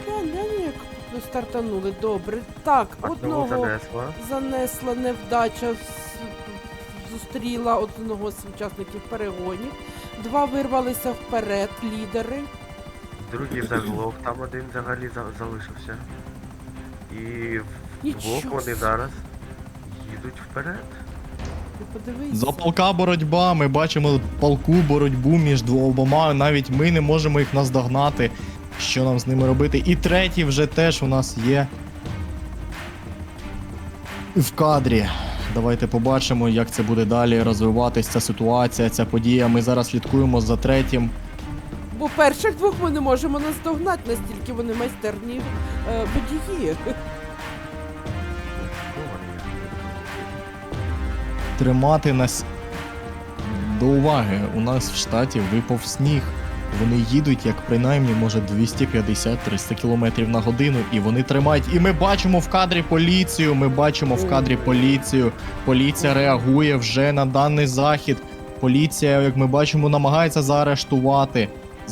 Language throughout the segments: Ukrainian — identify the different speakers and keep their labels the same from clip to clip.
Speaker 1: Як стартанули, добре. Так,
Speaker 2: Одного
Speaker 1: одного
Speaker 2: занесла.
Speaker 1: занесла невдача, зустріла одного з учасників перегонів. Два вирвалися вперед, лідери.
Speaker 2: Другий заглох, там один взагалі залишився. І вдвох
Speaker 1: Нічого
Speaker 2: вони
Speaker 1: собі.
Speaker 2: зараз їдуть вперед.
Speaker 1: Ти подивись.
Speaker 3: За полка боротьба, ми бачимо полку боротьбу між двома, навіть ми не можемо їх наздогнати. Що нам з ними робити? І третій вже теж у нас є в кадрі. Давайте побачимо, як це буде далі розвиватися ця ситуація, ця подія. Ми зараз слідкуємо за третім.
Speaker 1: Бо перших двох ми не можемо наздогнати, настільки вони майстерні водії.
Speaker 2: Що вони їх?
Speaker 3: Тримати нас до уваги. У нас в штаті випав сніг. Вони їдуть як принаймні, може, 250-300 км на годину, і вони тримають. І ми бачимо в кадрі поліцію, Поліція реагує вже на даний захід. Поліція, як ми бачимо, намагається заарештувати.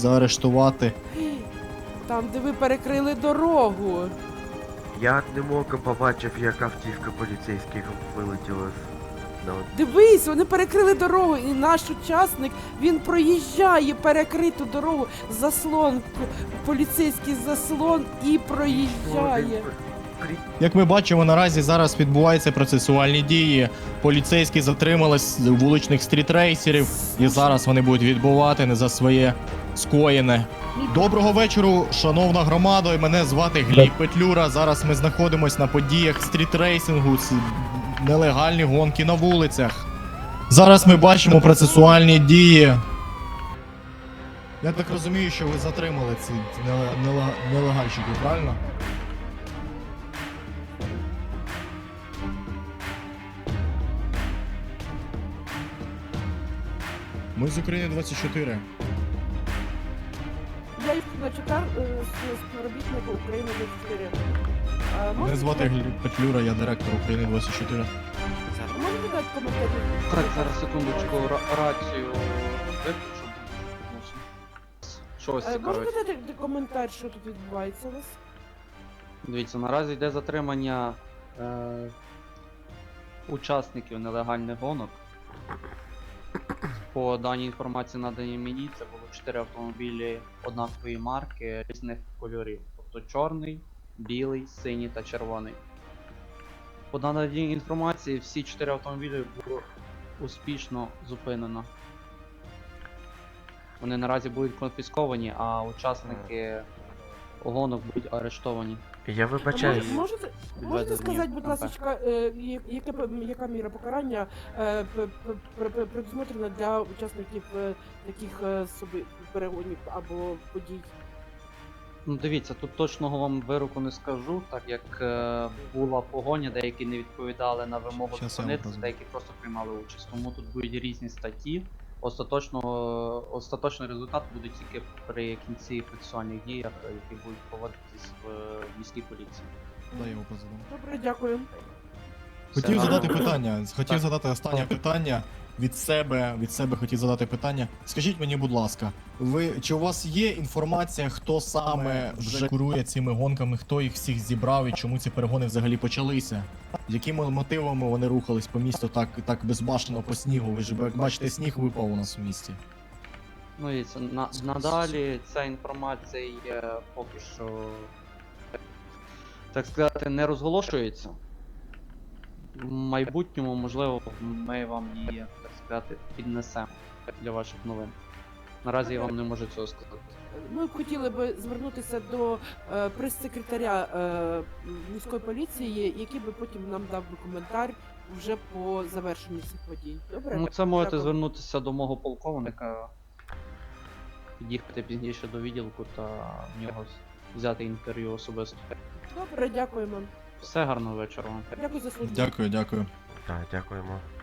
Speaker 1: Там, де ви перекрили дорогу.
Speaker 2: Я одним оком побачив, як автівка поліцейських вилетіла на
Speaker 1: Дивись, вони перекрили дорогу, і наш учасник, він проїжджає перекриту дорогу, заслон, поліцейський заслон і проїжджає.
Speaker 3: Як ми бачимо, наразі зараз відбуваються процесуальні дії. Поліцейські затримались вуличних стрітрейсерів, і зараз вони будуть відбувати за своє скоєне. Доброго вечору, шановна громада. Мене звати Гліб Петлюра. Зараз ми знаходимося на подіях стрітрейсингу, нелегальні гонки на вулицях. Зараз ми бачимо процесуальні дії. Я так розумію, що ви затримали ці нелегальщиків, правильно? Ми з України 24.
Speaker 1: Я їх начекав співробітника України 24.
Speaker 3: Мене звати Гліб Петлюра, я директор України 24.
Speaker 1: Можете дати коментарі?
Speaker 4: Так, зараз секундочку, рацію виключу. Що вас
Speaker 1: Можете
Speaker 4: цікавить?
Speaker 1: дати коментар, що тут відбувається у вас?
Speaker 4: Дивіться, наразі йде затримання учасників нелегальних гонок. По даній інформації, наданій мені, це було 4 автомобілі однакової марки різних кольорів. Тобто чорний, білий, синій та червоний. По даній інформації всі 4 автомобілі було успішно зупинено. Вони наразі будуть конфісковані, а учасники гонок будуть арештовані.
Speaker 2: Я вибачаюсь.
Speaker 1: Можете
Speaker 4: Відведені
Speaker 1: сказати, будь
Speaker 4: МП.
Speaker 1: ласка, яка міра покарання предусмотрена для учасників таких перегонів або подій?
Speaker 4: Ну дивіться, тут точного вам вироку не скажу, так як була погоня, деякі не відповідали на вимогу
Speaker 3: Щас я вам
Speaker 4: зупинитися,
Speaker 3: розумію.
Speaker 4: деякі просто приймали участь. Тому тут будуть різні статті. Остаточний результат буде тільки при кінці процесуальних діях, які будуть проводитись в міській поліції.
Speaker 3: Дай я його позадам.
Speaker 1: Добре, дякую.
Speaker 3: Хотів
Speaker 4: Все
Speaker 3: задати
Speaker 4: нормально.
Speaker 3: питання. Хотів задати останнє питання. Від себе хотів задати питання. Скажіть мені, будь ласка, чи у вас є інформація, хто саме вже курує цими гонками, хто їх всіх зібрав і чому ці перегони взагалі почалися? Якими мотивами вони рухались по місту так безбашено по снігу? Ви ж як бачите, сніг випав у нас у місті.
Speaker 4: Ну і це надалі ця інформація є поки що, так сказати, не розголошується. В майбутньому, можливо, ми вам її, так сказати, піднесемо для ваших новин. Наразі я вам не можу цього сказати.
Speaker 1: Ми б хотіли би звернутися до прес-секретаря міської поліції, який би потім нам дав би коментар вже по завершенню цих подій. Добре?
Speaker 4: Ну, це можете
Speaker 1: Дякую.
Speaker 4: звернутися до мого полковника, під'їхати пізніше до відділку та в нього взяти інтерв'ю особисто.
Speaker 1: Добре, дякуємо.
Speaker 4: Все, гарного вечора вам.
Speaker 1: Дякую за службу.
Speaker 3: Дякую.
Speaker 2: Так, дякуємо.